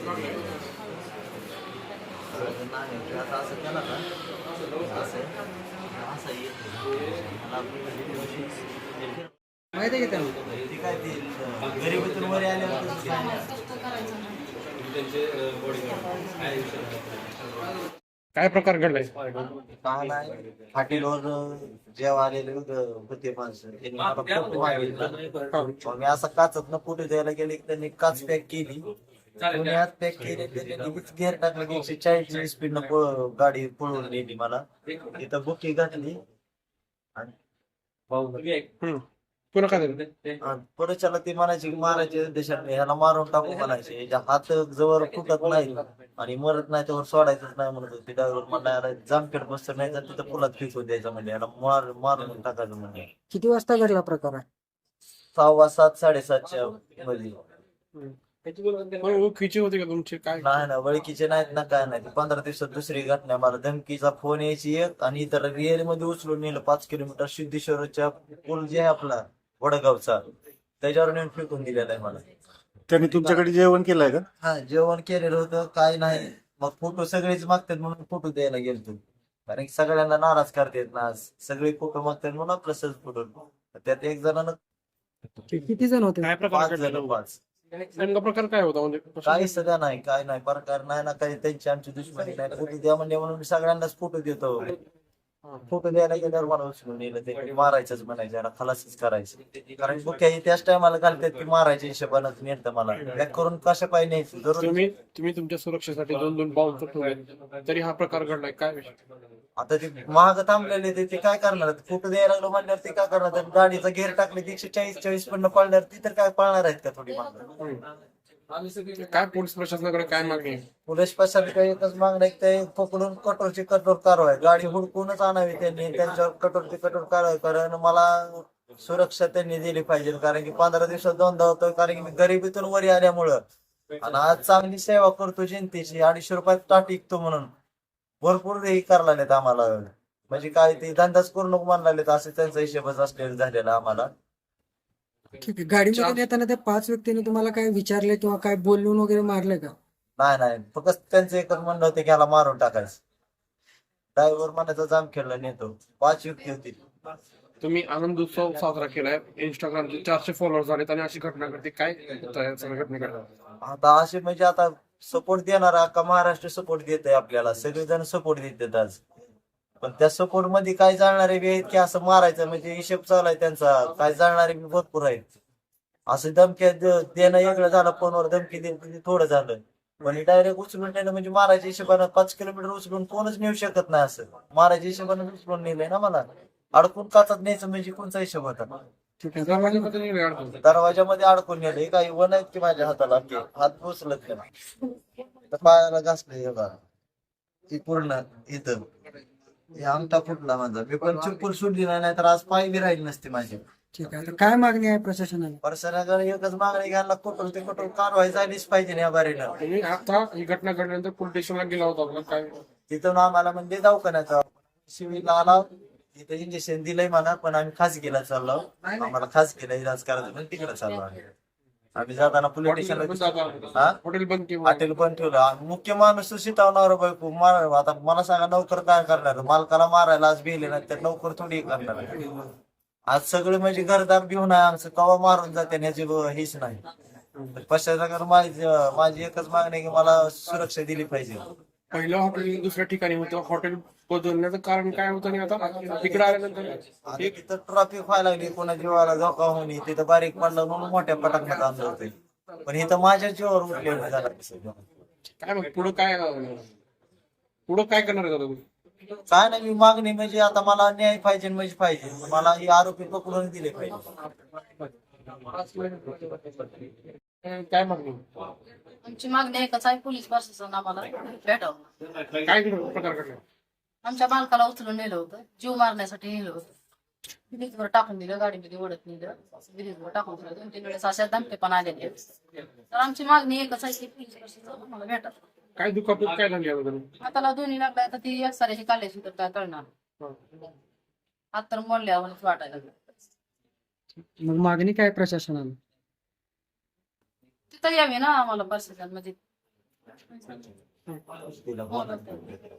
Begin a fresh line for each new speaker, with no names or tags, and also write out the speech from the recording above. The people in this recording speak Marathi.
नाही आता असं केलं ना असं असं येत मला
माहिती आहे का त्यांना?
ते काय ते गरिबीतून वर आल्यावर तसंच आहे.
काय प्रकार घडलाय?
काय नाही हॉटेलवर जेव्हा आलेले होते माणसं त्यांनी मला फोटो मागितला. मग मी असं काचत न फोटो द्यायला गेले की त्यांनी काच पॅक केली. कोणी हात पॅक केले त्यांनी लगेच गेअर टाकलं की 140 स्पीड न गाडी पळवून नेली मला. इथं बुकी घातली आणि
पुन्हा काय झालं?
पुढच्याला ते म्हणायचे की मारायचे देशात ह्याला मारून टाकू म्हणायचे. याच्या हात जवळ फुटत नाही आणि मरत नाही त्यावर सोडायचंच नाही म्हणत होते. ड्रायव्हर म्हणला जामखेड बसत नाही तर तिथं पुलात फेकून द्यायचं म्हणजे याला मारून टाकायचं म्हणजे.
किती वाजता घडला प्रकार आहे?
6:15 7:30च्या मध्ये.
ओळखीचे होते का तुमचे काय?
नाही ना ओळखीचे नाहीत ना काय नाही. 15 दिवसात दुसरी घटना मला धमकीचा फोन यायची एक आणि इतर रिअल मध्ये उचलून नेलं 5 किलोमीटर सिद्धेश्वरच्या पूल जे आहे आपला वडगावचा त्याच्यावर नेऊन फेकून दिलेला आहे मला.
त्यांनी तुमच्याकडे जेवण केलंय का?
हा जेवण केलेलं होतं काय नाही. मग फोटो सगळेच मागतात म्हणून फोटो द्यायला गेलतो. कारण की सगळ्यांना नाराज करतात ना सगळे फोटो मागतात म्हणून आपलं सहज फोटो. त्यात एक जणांना
किती जण होते?
काय प्रकार
5
घडला?
जण 5
नेमका प्रकार काय होता म्हणजे
काही सध्या नाही काय नाही प्रकार नाही ना काही त्यांची आमची दुश्मनी नाही. फोटो द्या म्हणजे म्हणून सगळ्यांनाच फोटो देतो. फोटो द्यायला गेल्यावर मला उचलून नेलं ते मारायचंच म्हणायचं याला खलासच करायचं. कारण बुक्या त्याच टायमाला घालतात की मारायच्या हिशोबानं नेतं मला बॅक करून कशा पाहिजे न्यायचं जरूर.
तुम्ही तुमच्या सुरक्षेसाठी 2-2 बाउन्सर ठेवले तरी हा प्रकार घडलाय काय विषय?
आता ते महाग थांबलेले ते काय करणार फोटो द्यायला लागलो म्हणल्यावर ते काय करणार तर गाडीचा घेर टाकले 140 पण पळणार ती तर काय पळणार आहेत का थोडी मागं.
काय पोलीस प्रशासनाकडे काय मागणी आहे?
पोलीस प्रशासनाकडे एकच मागणं आहे की ते पकडून कठोरची कठोर कारवाई गाडी हुडकूनच आणावी त्यांनी त्यांच्यावर कठोरची कठोर कारवाई कारण मला सुरक्षा त्यांनी दिली पाहिजे. कारण की 15 दिवसात 2दा होतोय कारण की मी गरिबीतून वरी आल्यामुळं आणि आज चांगली सेवा करतो जनतेची 250 रुपयात टाट विकतो म्हणून भरपूर हे करायला नाहीत आम्हाला. म्हणजे काय ते धंदाच करू नको म्हणाले असं त्यांचा हिशोबच असलेला झालेला आम्हाला.
ठीक आहे. गाडीमध्ये येताना त्या 5 व्यक्तींनी तुम्हाला काय विचारले किंवा काय बोलून वगैरे मारले का?
नाही फक्त त्यांचं एकच म्हणणं होतं की याला मारून टाकायचं. ड्रायव्हर म्हणायचा जाम खेळला नेतो 5 व्यक्ती होती.
तुम्ही आनंद उत्सव साजरा केलाय इंस्टाग्रामचे 400 फॉलोअर्स झालेत आणि अशी घटना घडते काय सगळ्या घटना?
आता असे म्हणजे आता सपोर्ट देणारा अख्खा महाराष्ट्र सपोर्ट देत आहे आपल्याला सगळेजण सपोर्ट देतात आज. पण त्या सपोर्ट मध्ये काय जाणारे बी आहेत की असं मारायचं म्हणजे हिशेब चालू आहे त्यांचा. काय जाणारे बी भरपूर आहेत. असं धमक्या देणं वेगळं झालं फोनवर धमकी देणं थोडं झालं. पण डायरेक्ट उचलून नेलं म्हणजे मारायच्या हिशोबानं 5 किलोमीटर उचलून कोणच नेऊ शकत नाही असं. मारायच्या हिशोबानं उचलून नेलंय ना मला. अडकून काचात न्यायचं म्हणजे कोणचा हिशोब होता?
ठीक आहे.
दरवाजामध्ये नाही अडकून.
दरवाजामध्ये अडकून नेलं. हे काही वन आहेत की माझ्या हाताला हात पोचलत नाही. तर पायाला घासले हे बघा ती पूर्ण इथं हे अंगठा फुटला माझा. मी पण चप्पल सोडली नाही तर आज पाय बी राहिली नसते माझी.
ठीक आहे. तर काय मागणी आहे प्रशासनाला?
परसराकडे एकच मागणी घ्यायला कठोर ते कठोर कारवाई झालीच पाहिजे ना या बारीनं.
तुम्ही आता ही घटना घडल्यानंतर पोलीस स्टेशनला गेला होता का काय?
तिथून आम्हाला म्हणजे दवाखान्याचा सिव्हिलला आला तिथं इंजेक्शन दिलंय मला पण आम्ही खासगीला चाललो. आम्हाला खासगीला इलाज करायचं म्हणून तिकडे चाललो आम्ही जाताना पोलीस स्टेशनला
हॉटेल बंद केलं.
हॉटेल पण ठेवलं. मुख्य माणूस शिटवणार बायको मार. आता मला सांगा नोकर काय करणार? मालकाला मारायला आज भिले नाही तर नोकर थोडी करणार. आज सगळे म्हणजे घरदार घेऊन आहे आमचं कवा मारून जाते ह्याची हेच नाही. पश्चात माझी एकच मागणी आहे की मला सुरक्षा दिली पाहिजे.
पहिलं हॉटेल दुसऱ्या ठिकाणी होतं हॉटेल बदलण्याचं कारण काय होतं आणि आता तिकडे आल्यानंतर
तिथं ट्रॉफिक व्हायला लागली कोणा जीवाला धोका होणे तिथं बारीक पडलं म्हणून मोठ्या पटाकण्यात आणलं होतं. पण इथं माझ्या जीवावर उठलेलं झालं.
काय मग पुढं काय करणार आहे तुम्ही?
काय नाही मी मागणी म्हणजे आता मला न्याय पाहिजे म्हणजे पाहिजे. मला हे आरोपी पकडून दिले पाहिजे.
काय मागणी?
आमची मागणी एकच आहे पोलीस प्रशासन आम्हाला भेटावं.
काय प्रकार घडला?
आमच्या बालकाला उचलून नेलं होतं जीव मारण्यासाठी नेलं होतं. ब्रिजवर टाकून दिलं गाडीमध्ये ओढत नेलं ब्रिजवर टाकून दिलं 2-3 वेळेस अशा धमके पण आलेले. तर आमची मागणी एकच आहे की पोलीस प्रशासन आम्हाला भेटावं.
काय दुखापत काय झाली आता?
हाताला दोन्ही लागल्या तर ती एक्सरेची काढल्याची तर काय कळणार. हात तर मोडल्यावरच वाटायला लागलं.
मग मागणी काय प्रशासनाला?
तिथं यावी ना आम्हाला प्रशासन म्हणजे
तिला बोला.